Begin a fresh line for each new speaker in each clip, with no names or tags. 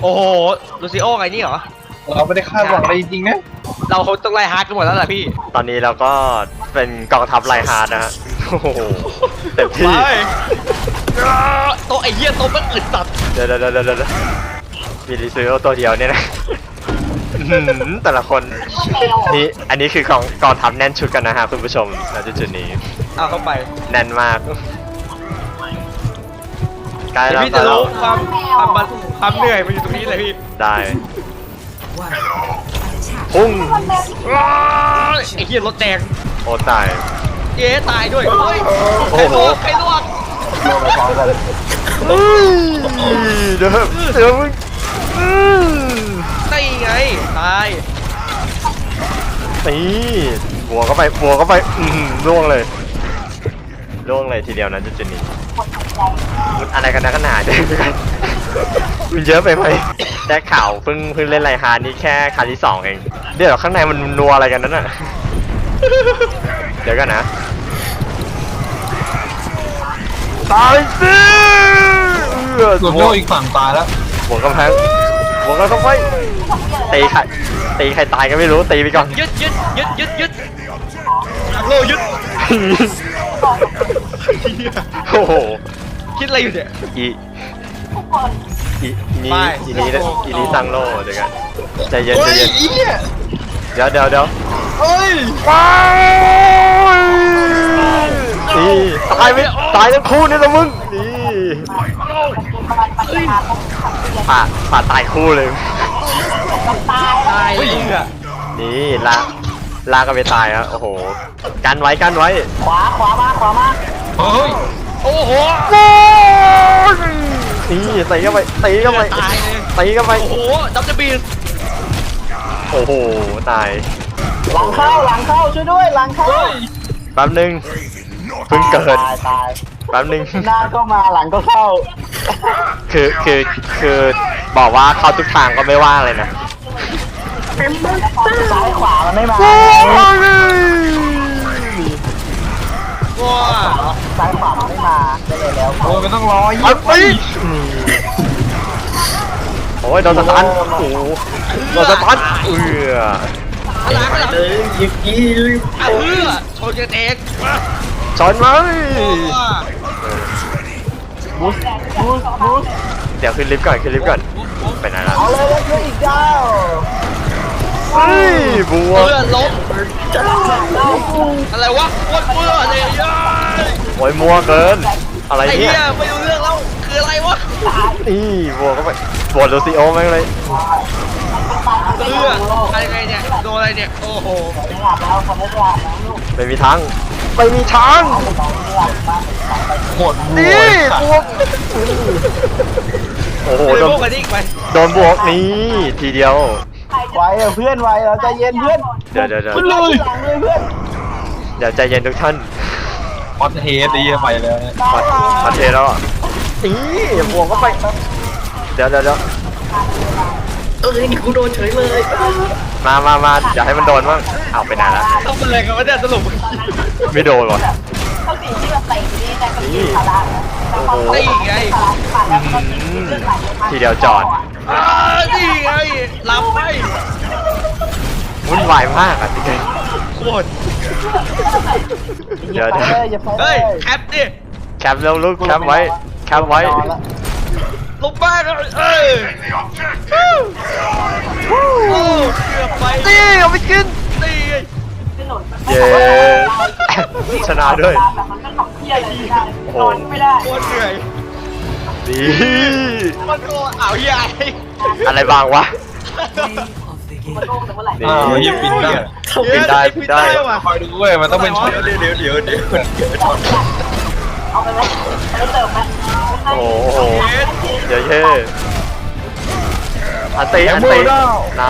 โอ้โหลูซิโอไงนี่เหรอ
เราไม่ได้คาดหวังอะไรจริงๆนะ
เราต้องไล่ฮาร์ดกันหมดแล้วล่ะพี่
ตอนนี้เราก็เป็นกองทัพไลฮาร์ดนะฮะโอ้โหเต็มที่
โตไอ้เหี้ยโตมันอึดตัด
เดี๋ยวมีลิซูโอตัวเดียวเนี่ยนะแต่ละคนนี่อันนี้คือกองทัพแน่นชุดกันนะฮะคุณผู้ชมณจุดนี้
เอาเข้าไป
แน่นมากใกล้แล้ว
พี่จะรู้ความเหนื่อยมันอยู่ตรงนี้เลยพี่
ได้พุ่ง
ไอ้เหี้ยรถแดง
โอ้ตาย
เย้ตายด้วยเฮ้ยใครลวก
ลงไปพร้อมกัน
เดี๋ยวมึง
นี่ไงตาย
นี่บัวเข้าไปล่วงเลยทีเดียวนะจุดนี้มันอะไรกันนะขนาดนี้มันเยอะไปไหมได้ข่าวเพิ่งเล่นไลฮาร์ดนี่แค่ครั้งที่2เองเดี๋ยวข้างในมันนัวอะไรกันนั่นน่ะเดี๋ยวกันนะตายสิ
ส่วนโยอีกฝั่งตายแล้ว
หัวกำแพงเข้าไปตีใครตายก็ไม่รู้ตีไปก่อน
ยึดโลยึด
โอ้โห
คิดอะไรอยู่เนี่ย
นี่สั่งโลเดี๋ยวกันใจเย็นเดี๋ยว
เฮ้ย
นี่ตายทั้งคู่นี่ละมึงนี่ป่าตายคู่เลย
ตายเลย
นี่ลากันไปตายครับโอ้โหกันไว้
ขวามา
เฮ้ย
โอ้โห
นี่ตีเข้าไป
ตายเลย
ตีเข้าไป
โอ้โหดับเบิลบี
โอ้โหตาย
หลังเข้าช่วยด้วยหลังเข้า
แป๊บนึงเพิ่งเกิด
ตาย
แป๊บนึง
หน้าก็มาหลังก็เข้า
คือบอกว่าเข้าทุกทางก็ไม่ว่าเลยนะ
ซ้ายขวามันไม่มา
ว้า
ซ้ายขวามันไม่มาได้เลยแล้ว
โอ้ยมันต้องรอ
ไปโอ้ยโดนสตันโอ้โดนสตัน
เลยยิง
ชนกันเอง
ชนไหม
บูส
เดี๋ยวขึ้นลิฟต์ก่อนไปไหนล่ะ
เอาเลยแล้วช่วยอีกเจ้า
บัว
ลบอะไรวะโคตรเบื่อเลย
โอ้ยมัวเกินอะไรเนี่ย
ไม่รู้เรื่องแล้วคืออะไรวะ
นี่บัวก็ไปบัวโดซิโอแม่งเลย
อะไรเนี่ยโดนอะไรเนี่ยโอ้โห
ไม่มีทาง
หมด
นี่บัวโอ้โหโดนบวกนี่ทีเดียว
ไวเพื่อนไวเราใจเย็นเพื่อน
เดี๋ยว
เ
ดี๋ยวใจเย็นทุกท่าน
พอดเฮดดีไปแล้ว
พอดเฮดแล้วนี่บวกก็ไปเดี๋ยว
นี่กูโดนเฉยเลย
มาอย่าให้มันโดนบ้างเอาไปไหนละ
ต้องเป็นอะไรกันวะเนี่ยสรุป
ไม่โดนหรอ
เขาสีที่แบบเตะนี่แต่ก็ยิงพลัง
นี่ไง
ทีเดียวจอด
นี่ไงหลับไป
วุ่นวายมากอ่ะจริง
โคตร
เดี๋ยว
เฮ้ยแคปดิ
แคปเร็วลูกแคปไว้
ลงบ้านเลยโอ้เกือบไป
ตีเอาไปกิน
ตี
เย้ชนะด้วย
โอ้ไม่ได้โคตรเหนื่อย
ดี
มันโคตรเอาใหญ่
อะไรบางวะ
ยิงปิด
ได้
คอยดูเว้ยมันต้องเป็นช็อตเดี๋ยว
เอาไปไหมไม่เติมไหม
โอ้โหเดี๋ยวอันตีน่า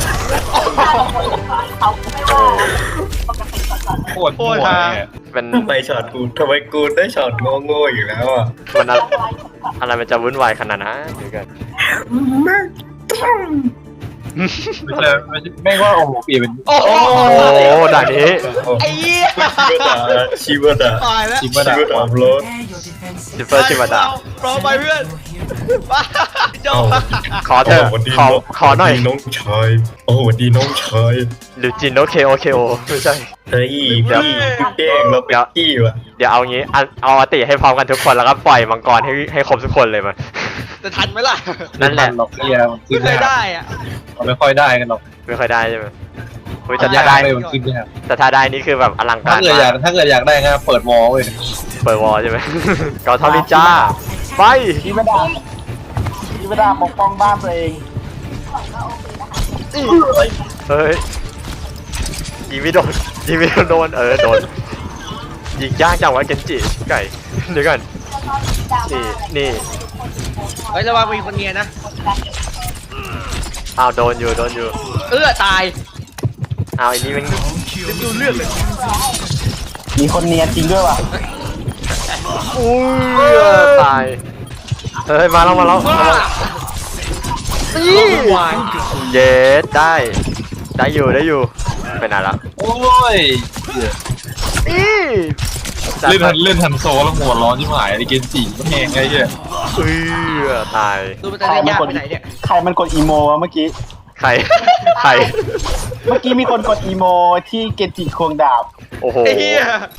โคตร
เป็น
ไปช็อตกูทำไมกูได้ช็อตโง่อยู่แล้วอ่ะ
มันอะไรมันจะวุ่นวายขนาดนั้นเดี๋ยวกัน
ไม่ว่าโอ้โหเปลี่ยนเป็น
โอ้โห
โอ้ด่านนี้
ไอ้เหี้ย
ชิวดา
ตายแล้ว
จิมมา
ชิ
ดาว
ดาโรส
จิฟเฟอร์ชิมาดะ
โปรไปเพื่อนบ้าจบ
ขอเถอะขอหน่อย
น้องชายโอ้สวัสดีน้องชาย
หรือจินโอเคโอเคโอไม่ใช่
เฮ้ยพี่แกล้งเราเป็นพี่ว่ะ
เดี๋ยวเอางี้เอาอติให้พร้อมกันทุกคนแล้วก็ปล่อยมังกรให้ครบทุกคนเลยมา
จะทันไหมล่ะ
นั่นแหละ
หรอกเนี่ย
ไม่เคยได้อ่ะ
ไม่ค่อยได้กันหรอก
ไม่ค่อยได้ใช่ไหมเฮ้ย
จะ
แต่ถ้าได้
ได้มันขึ้นยาก
แต่ถ้าได้นี่คือแบบอลังกา
ถ้าร เกิดอยากถ้าเกิดอยากได้ก็เปิดวอลเว้ย
เปิดวอลใช่ไหม เกาเท่านินจ้าไป
ชีวดาชีวดาปกป้องบ้านตัวเอง
เฮ้ยยิงไม่โดนยิงไม่โดนโดนยิงยากจังวะเกนจิไก่เดี๋ยวก่อนนี่
เฮ้ยระวังมีคนเนียนะ
อ้าวโดนอยู่
ตาย
อ้าวไอ้นี่มัน
ดูเลือดเลย
มีคนเนียนจริงด้วยว่ะ
อุ้ยตายเฮ้ยมาแล้ว
ว้า
เย็ดได้อยู่ไปไหนละ
โอ้ย
จัด
เล่นทันโซแล้วหัวร้อนที่หายไอ้เกนจิก็แหงไงเนี่ย
ตาย
ดูมันจะได้ยากไปไหนเนี่ย
ใครมันกดอีโมวะเมื่อกี้
ใคร
เมื่อกี้มีคนกดอีโมที่เกจิควงดาบ
โอ้โห
ไอ้เหี้ย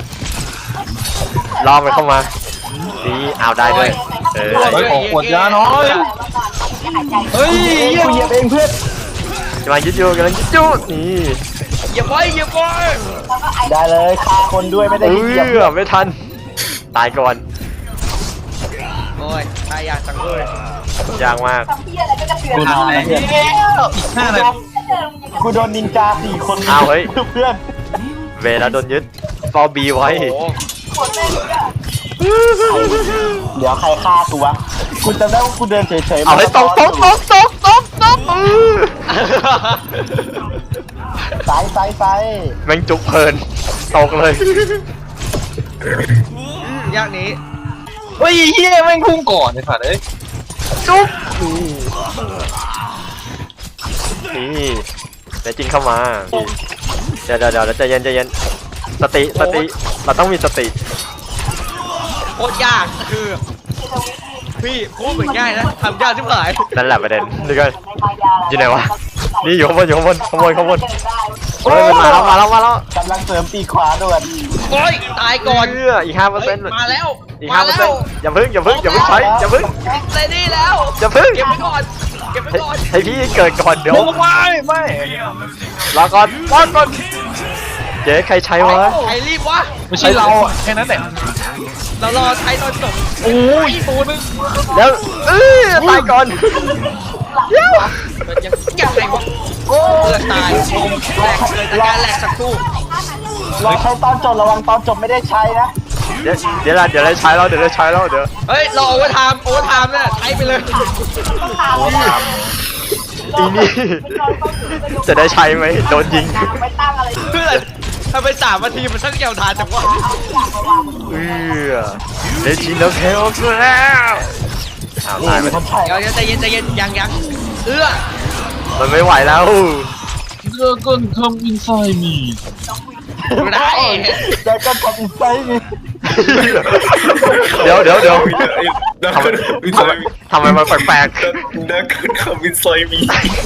ล่อมันเข้ามานี่เอาได้ด้วย
เฮ้ยของขวดยาน้อยเฮ้ย
กูเหยียบเองเพื่อน
กำลังยึดอยู่นี่
อย่าไว้
ได้เลยฆ่าคนด้วยไม่ได้เหยียบ
ไม่ทันตายก่อน
โอ้ยตายยากจังเลย
ยากมาก
กูนอนเนี่ยห้าเลย
กูโดนนินจา4 คน
อ้าวเฮ้ย
เพื่อน
เวลาโดนยึดฟอบีไว้
เดี๋ยวใครฆ่ากูวะกูจำได้ว่ากูเดินเฉยๆ
เอาให้ตก
ไซ
แม่งจุกเพลินตกเลย
ยากนี้
เฮ้ยเฮียแม่งพุ่งก่อนไอ้สัตว์เอ้ย
จุกนี่แต่จริงเข้ามาเดี๋ยวใจเย็นสติเราต้องมีสติ
โคตรยากคือพี่พูดเหมือนง่ายนะทำยากที่หาย
นั่นแหละประเด็นนี่ก็อยู่ไหนวะนี่อยู่ข้างบนขโมยเฮ้ยมันมาแล้ว
กำลังเสริมปีกขวาด่วน
โอ้ยตายก่อน
อีก 5%
มาแล้ว
อีก 5%อย่าเพิ่งใช้อย่าเพิ่ง
เซนี่แล้ว
อย่าเพิ่ง
เก็บไว้ก่อน
ให้พี่เกิดก่อนเดี๋ยว
ไม่
รอก่อนเจ๊ใครใช้วะ
ใครรีบวะ
ไม่ใช่เราอ่ะแค่นั้นแหละ
เรารอใช้ตอนจบ
โอ้ยตัวนึง
แล้วตายก่อน
ยังไงวะโอ้เลือดตายแหลกเลยจากการแหลกสักครู่
รอใช้ตอนจบระวังตอนจบไม่ได้ใช้นะ
เดี๋ยวได้ใช้แล้วเดี๋ยว
เฮ้ยรอโอเวอร์ไทม์เนี่ยใช้ไปเลย
อีนี่จะได้ใช้ไหมโดนยิง
ไม่ตั้งอะไร
เพื่อนทำไป3 นาทีมันช่างยาวนานจังวะ
เลจิโนเคโอสแล้วตายไป
คนใช้
เดี๋ยวใจเย็นยัง
มันไม่ไหวแล้ว
เลิกกันคำอินไซด์มี
ไม่ได้
แต่ก็ทำอินไซต์นี่
เดี๋ยว
วินไซมี
ทำไมมันแปลก
นักคำวินไซมี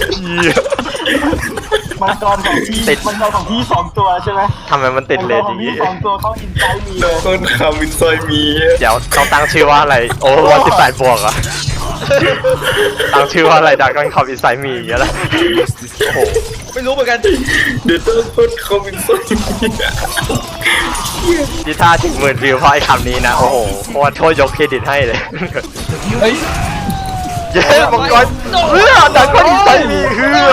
ๆ
มังกรของพี่2 ตัวใช่ไหม
ทำไมมันติดเลนอย่างนี้
มังกรของพี่2 ตัวเขาอินไซต์มี
นักคำวินไซมี
เดี๋ยวต้องตั้งชื่อว่าอะไรโอ้วัน18 บวกอ่ะตั้งชื่อว่าอะไรดักกันคอมอินไซมีอย่างเงี้ยละโอ้โห
ไม่รู้เหมือนกัน
เดี๋ยวต้องพูดคำวินไซมี
ที่ท่าถึง10,000 วิวเพราะไอ้คำนี้นะโอ้โหโคตรโทษยกเครดิตให้เลย
เฮ้ย
เย้มังกรดักกันอินไซมี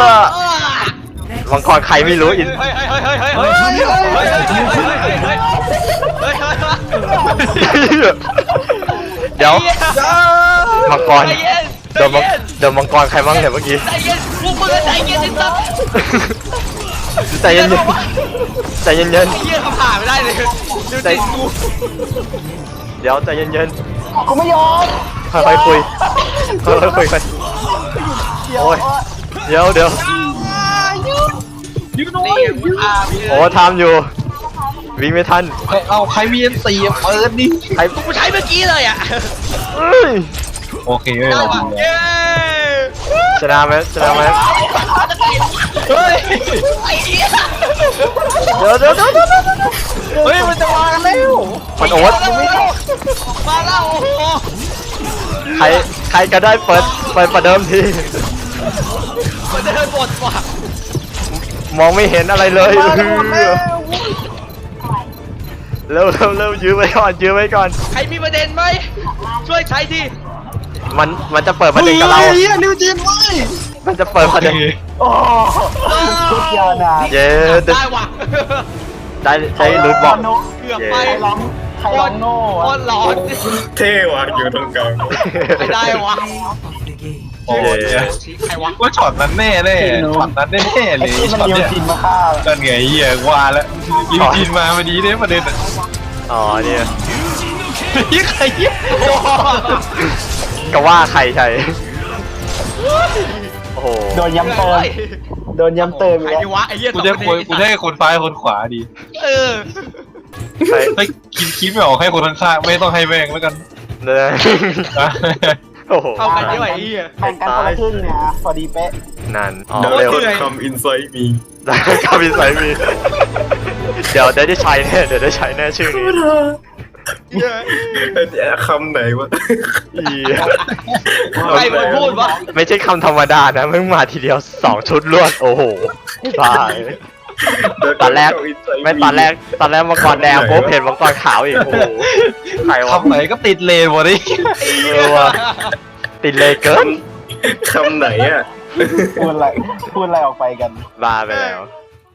มังกรใครไม่รู้อิน เดี๋ยวมังกรเดี๋ยวมังกรใครบ้างเนี่ยเมื่อกี้
ใจเย็นพวกมึงใจเย็นสัก
ใจเย็น
เยี่ยเขาผ่าไม่ได้เลยดูใจกู
เดี๋ยวใจเย็น
กูไม่ยอม
ค่อยคุยกันโอ้ยเดี๋ยว
ยืนหน่อย
นี่กูฆ่าพี่
โอ้ทำอยู่ วิ่งไม่ทัน
เอาใครมีอันตีเปิดดิ
ใคร
กูใช้เมื่อกี้เลยอ่ะ
เอ้ย
โอเคเว้ย
ได้
เรา
ว่ะ
ดี
เย้
ชนะไหมชนะไหม
เฮ้ย
ไอ้เหี้ย
เดี๋ยว
เฮ้ยมันจะมากันแล้ว
มันโอ๊ต
มาแล้วโอ้โห
ใครก็ได้เปิดประเดิมที
มันเดินบทว่ะ
มองไม่เห็นอะไรเลย
มากันหมดแล้ว
เร็วยื้อไว้ก่อนยื้อไว้ก่อน
ใครมีประเด็นไหมช่วยใช้ที
มันจะเปิดประเด็นกับเรา
เฮียนิวจีนเว้ย
มันจะเปิดประเด็น
โอ้ชุดยาวนาน
เย้
ได้ว่ะ
ได้ลุ้นบอก
เกือบไป
ใครร้องใครร้องโน่
โคตรร้อน
เท่ว่ะอยู่ตรงกลาง
ไม่ได้วะ
โอ้ย
ใครวะ
ว่าช็อตนั้นแน่เลยช็อตนั้นแน่ๆเล
ไอ้
ย
ที่มัน
ช็อต
นิว
เนี้ย
จินมาฆ่า
กันไงเฮียว่าแล้วนิวจีนมาพอดีเนี่ยประเด็นอ่ะ
อ๋อเนี่ย
เฮียใครเฮีย
ก็ว่าใครใช่โอ้โห
โดนย้ำเติมโดนย้ำเติม
ใคร
แล้ว
ดีวะไอ้เหี้ย
กูจะให้คนซ้ายคนขวาดี
เออ
ใคร
ถ้าคิดไม่ออกให้คนข้างๆไม่ต้องให้แม่งแล้วกัน
เนี่ยโอ้โห
เท่ากันด้วยไอ้เหี้ย
แบ่งกันคนละครึ่งเนี่ยพอดีเป๊ะ
นั่นอ๋อ
เดี๋ยว
เร็ว
เดี๋ยวคำอินไซต์มี
ได้ก็มีสายมีเดี๋ยวได้ใช้แน่ชื่อนี้
คำไหนวะ
อี
ใครมันพูดวะ
ไม่ใช่คำธรรมดานะมึงมาทีเดียว2 ชุดรวดโอ้โหตายตอนแรกมังกรแดงปุ๊บเห็นมังกรขาวอีกโอ้โหใครวะ
คำไหนก็ติดเลนหมดเลย
เออว่ะติดเลยเกิน
คำไหนอ่ะ
พูดอะไรออกไปกัน
บ้าไปแล้ว